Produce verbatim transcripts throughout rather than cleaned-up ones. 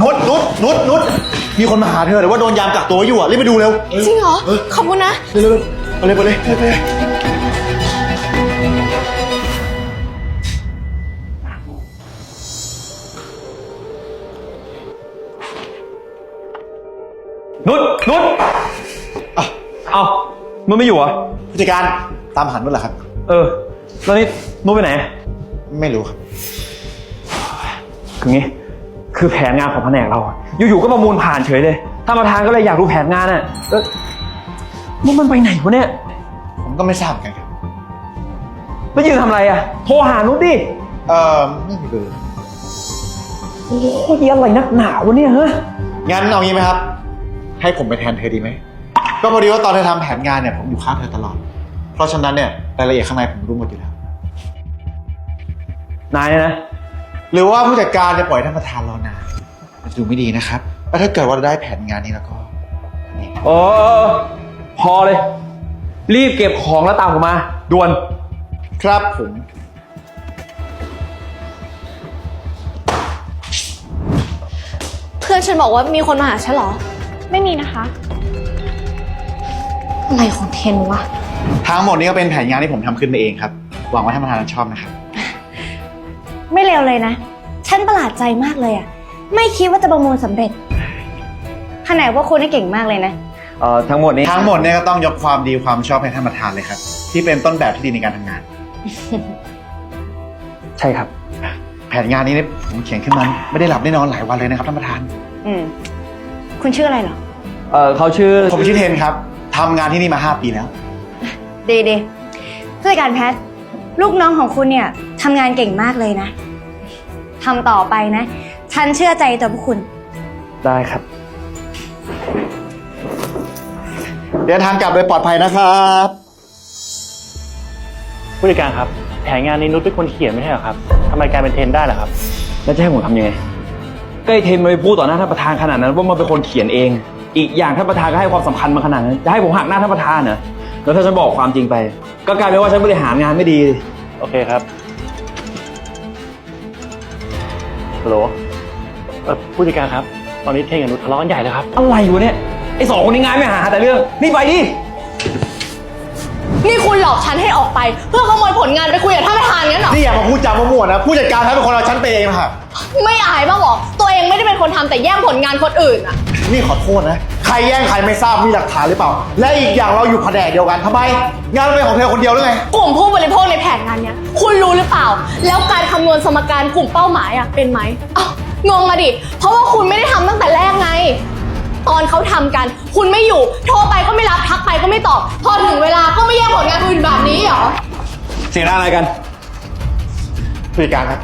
นุชนุชนุชนุชมีคนมาหาเธอแต่ว่าโดนยามกักตัวอยู่อ่ะรีบไปดูเร็วจริงเหรอขอบคุณนะเร็วเร็วไปเลยไปเลยไปเลยนุชนุชอ่ะเอามันไม่อยู่เหรอผู้จัดการตามหันนุชเหรอครับเออแล้วนี่นุชไปไหนไม่รู้ครับคืองี้คือแผนงานของแผนกเราอยู่ๆก็ประมูลผ่านเฉยเลยท่านประธานก็เลยอยากรู้แผนงานอ่ะแล้วนุชมันไปไหนวะเนี่ยผมก็ไม่ทราบกันครับแล้วยืนทำอะไรอ่ะโทรหานุชดิเออไม่มีเบอร์โอ้ยอะไรนักหนาวะเนี่ยฮะงั้นเอางี้ไหมครับให้ผมไปแทนเธอดีไหมก็พอดีว่าตอนเธอทำแผนงานเนี่ยผมอยู่ข้างเธอตลอดเพราะฉะนั้นเนี่ยรายละเอียดข้างในผมรู้หมดอยู่แล้วนายเนี่ยนะหรือว่าผู้จัดการจะปล่อยท่านประธานรอนานมันดูไม่ดีนะครับแล้วถ้าเกิดว่าได้แผนงานนี้แล้วก็โอ้พอเลยรีบเก็บของแล้วตามผมมาด่วนครับผมเพื่อนฉันบอกว่ามีคนมาหาฉันเหรอไม่มีนะคะอะไรของเทนวะทั้งหมดนี้ก็เป็นแผนงานที่ผมทำขึ้นมาเองครับหวังว่าท่านประธานจะชอบนะครับไม่เลวเลยนะฉันประหลาดใจมากเลยอ่ะไม่คิดว่าจะประมูลสำเร็จขนาดว่าคุณนี่เก่งมากเลยนะเอ่อทั้งหมดนี้ทั้งหมดเนี่ยก็ต้องยกความดีความชอบให้ท่านประธานเลยครับที่เป็นต้นแบบที่ดีในการทำงานใช่ครับแผนงานนี้เนี่ยผมเขียนขึ้นมาไม่ได้หลับได้นอนหลายวันเลยนะครับท่านประธานอืมคุณชื่ออะไรเหรอเออเขาชื่อผมชื่อเทนครับทำงานที่นี่มาห้าปีแล้วดีดีผู้จัดการแพทลูกน้องของคุณเนี่ยทำงานเก่งมากเลยนะทำต่อไปนะฉันเชื่อใจตัวพวกคุณได้ครับเดินทางกลับโดยปลอดภัยนะครับผู้จัดการครับแผนงานนี้นุชเป็นคนเขียนไม่ใช่เหรอครับทำไมกลายเป็นเทนได้ล่ะครับแล้วจะให้ผมทำยังไงก็ไอ้เทนมาไปพูดต่อหน้าท่านประธานขนาดนั้นว่ามันเป็นคนเขียนเองอีกอย่างท่านประธานก็ให้ความสำคัญมาขนาดนั้นจะให้ผมหักหน้าท่านประธานเหรอแล้วถ้าฉันบอกความจริงไปก็กลายเป็นว่าฉันบริหารงานไม่ดีโอเคครับฮัลโหลเอ่อผู้จัดการครับตอนนี้เทนกับนุชทะเลาะกันใหญ่เลยครับอะไรวะเนี่ยไอ้สองคนนี้งานไม่หาแต่เรื่องนี่ไปดินี่คุณหลอกฉันให้ออกไปเพื่อขโมยผลงานไปคุยกับท่านประธานงั้นเหรอนี่อย่ามาพูดจามั่วๆนะผู้จัดการท่านเป็นคนเอาฉันไปเองค่ะไม่อายบ้างหรอตัวเองไม่ได้เป็นคนทำแต่แย่งผลงานคนอื่นอ่ะนี่ขอโทษนะใครแย่งใครไม่ทราบมีหลักฐานหรือเปล่าและอีกอย่างเราอยู่แผนกเดียวกันทำไมงานเป็นของเธอคนเดียวหรือไงกลุ่มผู้บริโภคในแผนงานเนี้ยคุณรู้หรือเปล่าแล้วการคำนวณสมการกลุ่มเป้าหมายอ่ะเป็นไหมอ้าวงงมาดิเพราะว่าคุณไม่ได้ทำตั้งแต่แรกไงตอนเขาทำกันคุณไม่อยู่โทรไปก็ไม่รับทักไปก็ไม่ตอบพอถึงเวลาก็ไม่แย่งผลงานอื่นแบบนี้เหรอเสียงอะไรกันผู้จัดการครับ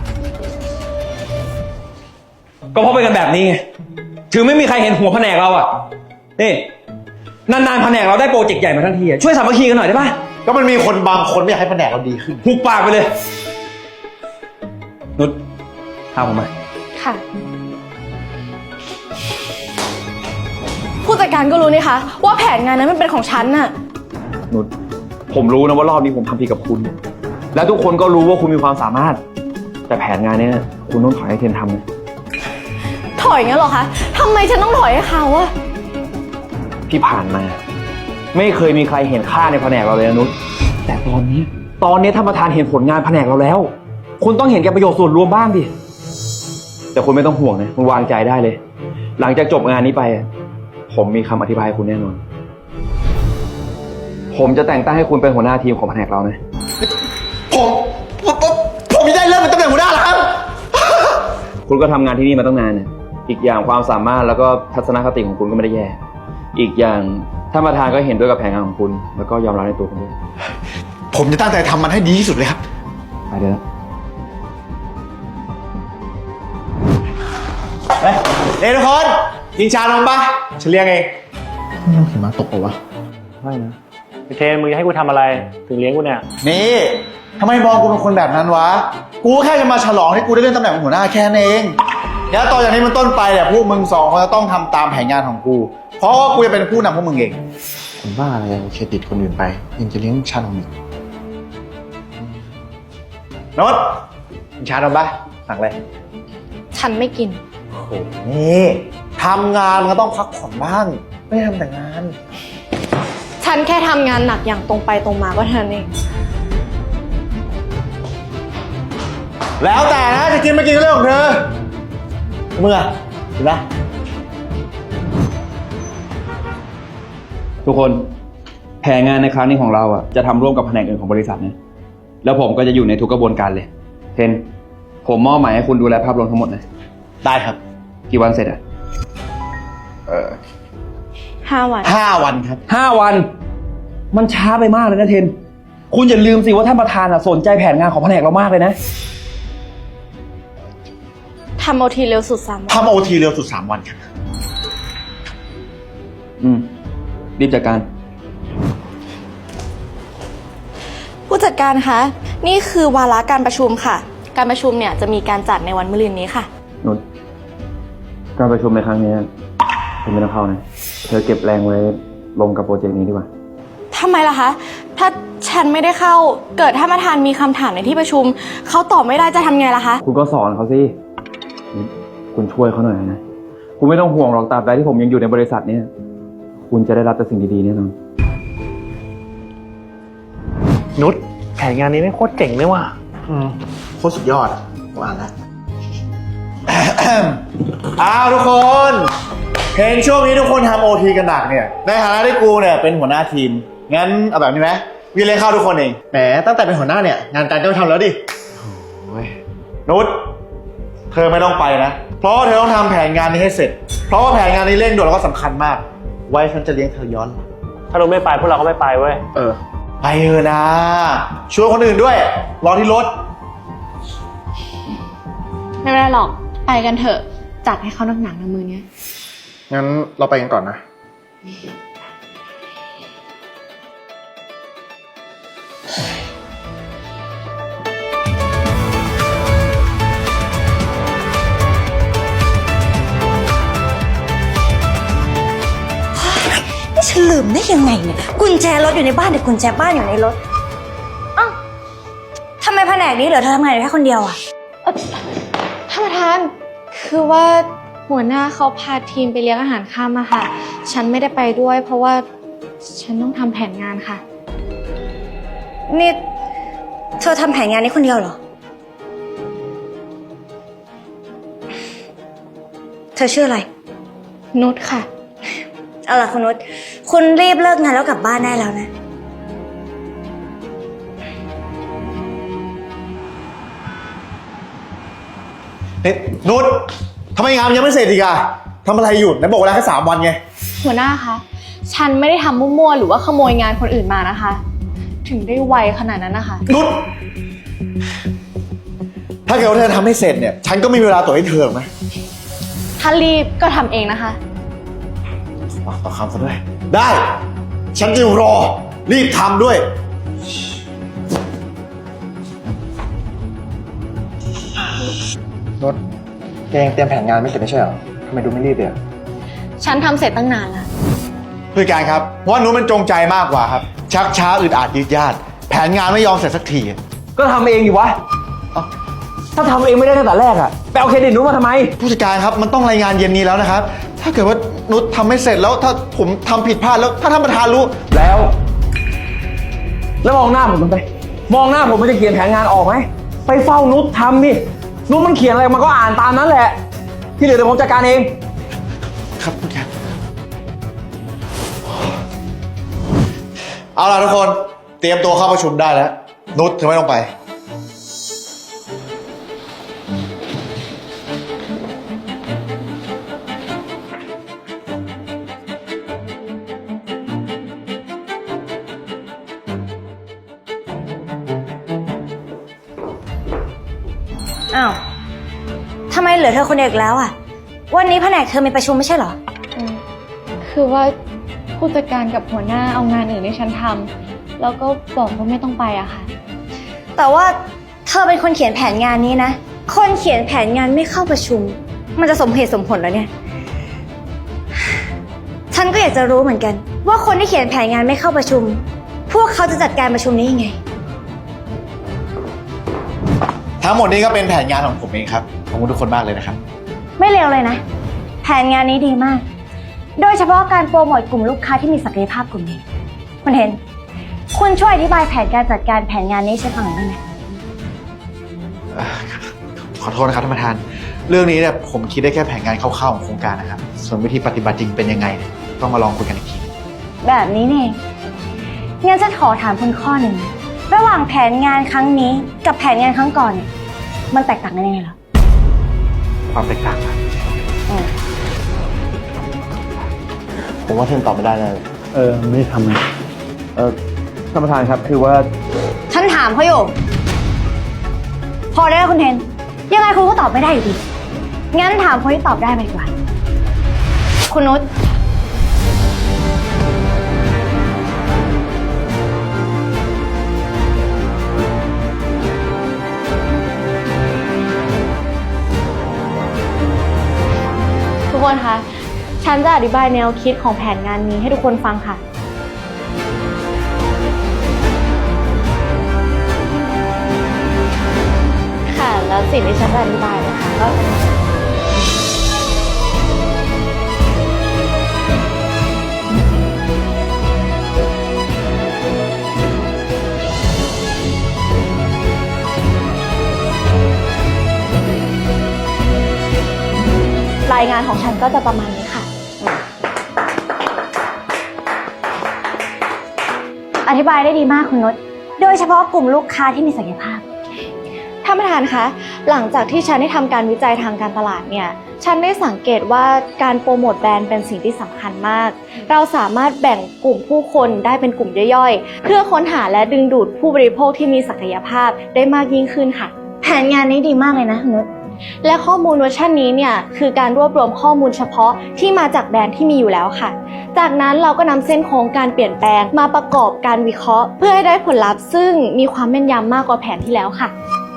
ก็เพราะไปกันแบบนี้ไงถึงไม่มีใครเห็นหัวแผนกเราอ่ะนี่นานๆแผนกเราได้โปรเจกต์ใหญ่มาทั้งทีช่วยสามัคคีกันหน่อยได้ป่ะก็มันมีคนบางคนไม่อยากให้แผนกเราดีขึ้นหุบปากไปเลยนุชพาผมมาค่ะผู้จัดการก็รู้นี่คะว่าแผนงานนั้นมันเป็นของฉันน่ะนุชผมรู้นะว่ารอบนี้ผมทำผิดกับคุณแล้วทุกคนก็รู้ว่าคุณมีความสามารถแต่แผนงานนี้คุณต้องถอยให้เทนทำนะถอยงั้นหรอคะทำไมฉันต้องถอยให้เขาอะที่ผ่านมาไม่เคยมีใครเห็นค่าในแผนกเราเลยนะนุชแต่ตอนนี้ตอนนี้ท่านประธานเห็นผลงานแผนกเราแล้วคุณต้องเห็นแก่ประโยชน์ส่วนรวมบ้างดิแต่คุณไม่ต้องห่วงนะคุณวางใจได้เลยหลังจากจบงานนี้ไปผมมีคำอธิบายให้คุณแน่นอนผมจะแต่งตั้งให้คุณเป็นหัวหน้าทีมของแผนกเรานะผมผมผมผมไม่ได้เริ่มเป็นตำแหน่งหัวหน้าแล้วครับคุณก็ทำงานที่นี่มาตั้งนานเนี่ยอีกอย่างความสามารถแล้วก็ทัศนคติของคุณก็ไม่ได้แย่อีกอย่างท่านประธานก็เห็นด้วยกับแผนงานของคุณแล้วก็ยอมรับในตัวคุณด้วยผมจะตั้งใจทำมันให้ดีที่สุดเลยครับไปเถอะเฮ้ยเอ้ทุกคนกินชานมปะฉันเลี้ยงเองไม่ต้องเห็นมาตกเอาวะไม่นะเทนมึงจะให้กูทำอะไรถึงเลี้ยงกูเนี่ยนี่ทำไมมองกูเป็นคนแบบนั้นวะกูแค่จะมาฉลองให้กูได้เลื่อนตำแหน่งเป็นหัวหน้าแค่นั้นเองแล้วต่อจากนี้มันต้นไปเนี่ยพวกมึงสองคนจะต้องทำตามแผนงานของกูเพราะว่ากูจะเป็นผู้นำพวกมึงเองผมว่าอะไรเครดิตคนอื่นไปยังจะเลี้ยงชานมอีกโน้ตกินชานมปะสั่งเลยฉันไม่กินโอ้นี่ทำงานมันก็ต้องพักผ่อนบ้าง ไม่ได้ทำแต่งานฉันแค่ทำงานหนักอย่างตรงไปตรงมาก็เท่านั้นเองแล้วแต่นะจะกินไม่กินก็เรื่องของเธอเมื่อเห็นไหมทุกคนแผนงานในครั้งนี้ของเราอ่ะจะทำร่วมกับแผนกอื่นของบริษัทนะแล้วผมก็จะอยู่ในทุกกระบวนการเลยเทนผมมอบหมายให้คุณดูแลภาพรวมทั้งหมดนะได้ครับกี่วันเสร็จอ่ะเออห้าวันห้าวันครับห้าวัน มันช้าไปมากเลยนะเทน คุณอย่าลืมสิว่าท่านประธานอ่ะสนใจแผนงานของแผนกเรามากเลยนะทำโอทีเร็วสุดสามวันทำโอทีเร็วสุดสามวันครับอืมรีบจัดการผู้จัดการคะ นี่คือวาระการประชุมค่ะ การประชุมเนี่ยจะมีการจัดในวันมะรืนนี้ค่ะนุชการประชุมในครั้งนี้เธอไม่ต้องเข้านะ เธอเก็บแรงไว้ลงกับโปรเจกต์นี้ดีกว่าทำไมล่ะคะ ถ้าฉันไม่ได้เข้า เกิดท่านประธานมีคำถามในที่ประชุม เขาตอบไม่ได้จะทำไงล่ะคะคุณก็สอนเขาสิ คุณช่วยเขาหน่อยนะ คุณไม่ต้องห่วงหรอกตราบใดที่ผมยังอยู่ในบริษัทนี้คุณจะได้รับแต่สิ่งดีๆแน่นอนนุชแผนงานนี้ไม่โคตรเจ๋งเลยว่ะอืมโคตรสุดยอดอ่ะผมอ่านแล้ว อ้าวทุกคน เห็นช่วงนี้ทุกคนทำโอทีกันหนักเนี่ย ในฐานะที่กูเนี่ยเป็นหัวหน้าทีม งั้นเอาแบบนี้ไหมวีเลยเข้าทุกคนเอง แหมตั้งแต่เป็นหัวหน้าเนี่ย งานการก็ไม่ทำแล้วดินุชเธอไม่ต้องไปนะ เพราะว่าเธอต้องทำแผนงานนี้ให้เสร็จ เพราะว่าแผนงานนี้เร่งด่วนแล้วก็สำคัญมาก ไว้ฉันจะเลี้ยงเธอย้อนหลังถ้าเราไม่ไปพวกเราก็ไม่ไปเว้ยเออ ไปเถอะนะชวนคนอื่นด้วย รอที่รถไม่เป็นไรหรอก ไปกันเถอะ จัดให้เขาหนักๆนะมือเนี้ยงั้นเราไปกันก่อนนะนี่ฉันลืมได้ยังไงเนี่ยกุญแจรถอยู่ในบ้านแต่กุญแจบ้านอยู่ในรถอ้าวทำไมแผนกนี้เหลือเธอทำงานอยู่แค่คนเดียวอะท่านประธาน คือว่าหัวหน้าเขาพาทีมไปเลี้ยงอาหารค่ำอะค่ะ ฉันไม่ได้ไปด้วย เพราะว่าฉันต้องทำแผนงานค่ะนี่เธอทำแผนงานนี้คนเดียวเหรอ เธอชื่ออะไรนุชค่ะเอาล่ะคุณนุชคุณรีบเลิกงานแล้วกลับบ้านได้แล้วนะเฮ้ยนุชทำไมงานมันยังไม่เสร็จอีกอะทำอะไรอยู่ไหนบอกเวลาแค่สามวันไงหัวหน้าคะ ฉันไม่ได้ทำมั่วๆหรือว่าขโมยงานคนอื่นมานะคะ ถึงได้ไวขนาดนั้นนะคะนุชถ้าเกิดว่าเธอทำให้เสร็จเนี่ย ฉันก็ไม่มีเวลาตรวจให้เธอหรอกนะถ้ารีบก็ทำเองนะคะปากต่อคำซะด้วย ได้ ฉันจะรอ รีบทำด้วย นุชแกยังเตรียมแผนงานไม่เสร็จไม่ใช่เหรอทำไมดูไม่รีบเลยฉันทำเสร็จตั้งนานแล้วผู้จัดการครับเพราะว่านุชมันจงใจมากกว่าครับ ชักช้าอึดอัดยืดยาดแผนงานไม่ยอมเสร็จสักทีก็ทำเองดิวะเอ้าถ้าทำเองไม่ได้ตั้งแต่แรกอะไปเอาเครดิตนุชมาทำไมผู้จัดการครับมันต้องรายงานเย็นนี้แล้วนะครับ ถ้าเกิดว่านุชทำไม่เสร็จแล้วถ้าผมทำผิดพลาดแล้วถ้าท่านประธานรู้แล้ว แล้วมองหน้าผมทำไมมองหน้าผมมันจะเขียนแผนงานออกไหมไปเฝ้านุชทำดินุชมันเขียนอะไรมันก็อ่านตามนั้นแหละ ที่เหลือเดี๋ยวผมจัดการเองครับผู้จัดการเอาล่ะทุกคนเตรียมตัวเข้าประชุมได้แล้วนุชเธอไม่ต้องไปอ้าวทำไมเหลือเธอคนเดียวอีกแล้วอะวันนี้แผนกเธอมีประชุมไม่ใช่เหรอคือว่าผู้จัดการกับหัวหน้าเอางานอื่นให้ฉันทำแล้วก็บอกว่าไม่ต้องไปอะค่ะแต่ว่าเธอเป็นคนเขียนแผนงานนี้นะ คนเขียนแผนงานไม่เข้าประชุม มันจะสมเหตุสมผลแล้วเนี่ย ฉันก็อยากจะรู้เหมือนกัน ว่าคนที่เขียนแผนงานไม่เข้าประชุม พวกเขาจะจัดการประชุมนี้ยังไงทั้งหมดนี้ก็เป็นแผนงานของผมเองครับขอบคุณทุกคนมากเลยนะครับไม่เลวเลยนะ แผนงานนี้ดีมาก โดยเฉพาะการโปรโมทกลุ่มลูกค้าที่มีศักยภาพกลุ่มนี้คุณเห็น คุณช่วยอธิบายแผนการจัดการแผนงานนี้ให้ฉันฟังหน่อยได้ไหมเอ่อขอโทษนะครับท่านประธาน เรื่องนี้เนี่ยผมคิดได้แค่แผนงานคร่าวๆของโครงการนะครับ ส่วนวิธีปฏิบัติจริงเป็นยังไงเนี่ยต้องมาลองคุยกันอีกทีแบบนี้นี่เองงั้นฉันขอถามคุณข้อหนึ่งนะระหว่างแผนงานครั้งนี้กับแผนงานครั้งก่อนเนี่ยมันแตกต่างกันยังไงเหรอความแตกต่างครับอืมผมว่าเทนตอบไม่ได้เลยเออ ไม่ได้ทำเลยเออท่านประธานครับคือว่าฉันถามเขาอยู่ พอได้แล้วคุณเทน ยังไงคุณก็ตอบไม่ได้อยู่ดี งั้นถามคนที่ตอบได้ไปดีกว่า คุณนุชทุกคนคะ ฉันจะอธิบายแนวคิดของแผนงานนี้ให้ทุกคนฟังค่ะ ค่ะ แล้วสิ่งที่ฉันจะอธิบายนะคะก็รายงานของฉันก็จะประมาณนี้ค่ะอธิบายได้ดีมากคุณนุช โดยเฉพาะกลุ่มลูกค้าที่มีศักยภาพท่านประธานคะ หลังจากที่ฉันได้ทำการวิจัยทางการตลาดเนี่ย ฉันได้สังเกตว่าการโปรโมทแบรนด์เป็นสิ่งที่สำคัญมาก เราสามารถแบ่งกลุ่มผู้คนได้เป็นกลุ่มย่อยๆ เพื่อค้นหาและดึงดูดผู้บริโภคที่มีศักยภาพได้มากยิ่งขึ้นค่ะแผนงานนี้ดีมากเลยนะคุณนุชและข้อมูลเวอร์ชันนี้เนี่ยคือการรวบรวมข้อมูลเฉพาะที่มาจากแบรนด์ที่มีอยู่แล้วค่ะ จากนั้นเราก็นำเส้นโค้งการเปลี่ยนแปลงมาประกอบการวิเคราะห์ เพื่อให้ได้ผลลัพธ์ซึ่งมีความแม่นยำมากกว่าแผนที่แล้วค่ะ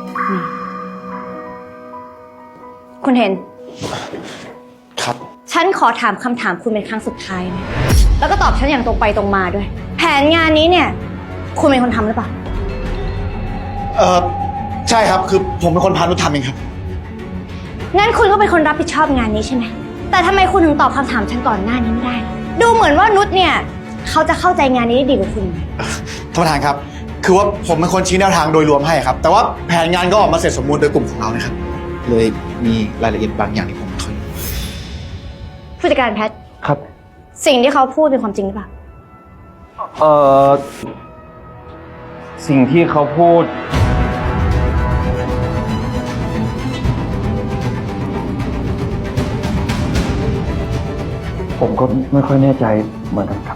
คุณเห็นครับฉันขอถามคำถามคุณเป็นครั้งสุดท้ายนะ แล้วก็ตอบฉันอย่างตรงไปตรงมาด้วย แผนงานนี้เนี่ย คุณเป็นคนทำหรือเปล่าเออใช่ครับ คือผมเป็นคนพานุชทำเองครับงั้นคุณก็เป็นคนรับผิดชอบงานนี้ใช่ไหม แต่ทำไมคุณถึงตอบคำถามฉันก่อนหน้านี้ไม่ได้ล่ะดูเหมือนว่านุชเนี่ยเขาจะเข้าใจงานนี้ได้ดีกว่าคุณท่านประธานครับ คือว่าผมเป็นคนชี้แนวทางโดยรวมให้ครับ แต่ว่าแผนงานก็ออกมาเสร็จสมบูรณ์โดยกลุ่มของเรานะครับ เลยมีรายละเอียดบางอย่างที่ผมไม่ค่อยรู้ผู้จัดการแพทครับสิ่งที่เขาพูดเป็นความจริงหรือเปล่าเออสิ่งที่เขาพูด ผมก็ไม่ค่อยแน่ใจเหมือนกันครับ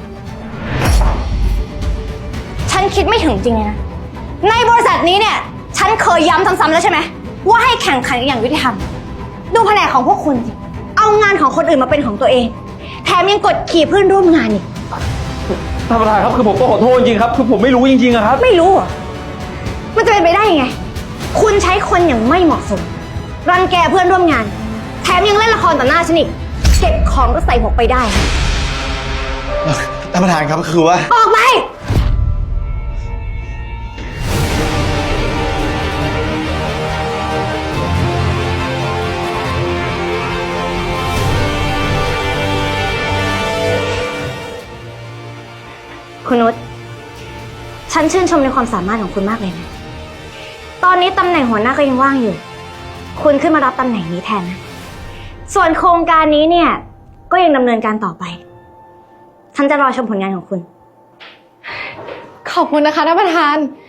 ฉันคิดไม่ถึงจริงเลยนะ ในบริษัทนี้เนี่ย ฉันเคยย้ำซ้ำๆแล้วใช่ไหมว่าให้แข่งขันกันอย่างยุติธรรม ดูแผนกของพวกคุณสิ เอางานของคนอื่นมาเป็นของตัวเอง แถมยังกดขี่เพื่อนร่วมงานอีกท่านประธานครับคือผมก็ขอโทษจริงๆครับคือผมไม่รู้จริงๆอะครับไม่รู้เหรอ มันจะเป็นไปได้ยังไง คุณใช้คนอย่างไม่เหมาะสม รังแกเพื่อนร่วมงาน แถมยังเล่นละครต่อหน้าฉันอีก เก็บของก็ใส่หมวกไปได้ท่านประธานครับคือว่าออกไป คุณนุช ฉันชื่นชมในความสามารถของคุณมากเลยนะ ตอนนี้ตำแหน่งหัวหน้าก็ยังว่างอยู่ คุณขึ้นมารับตำแหน่งนี้แทนนะ ส่วนโครงการนี้เนี่ย ก็ยังดำเนินการต่อไป ฉันจะรอชมผลงานของคุณขอบคุณนะคะท่านประธาน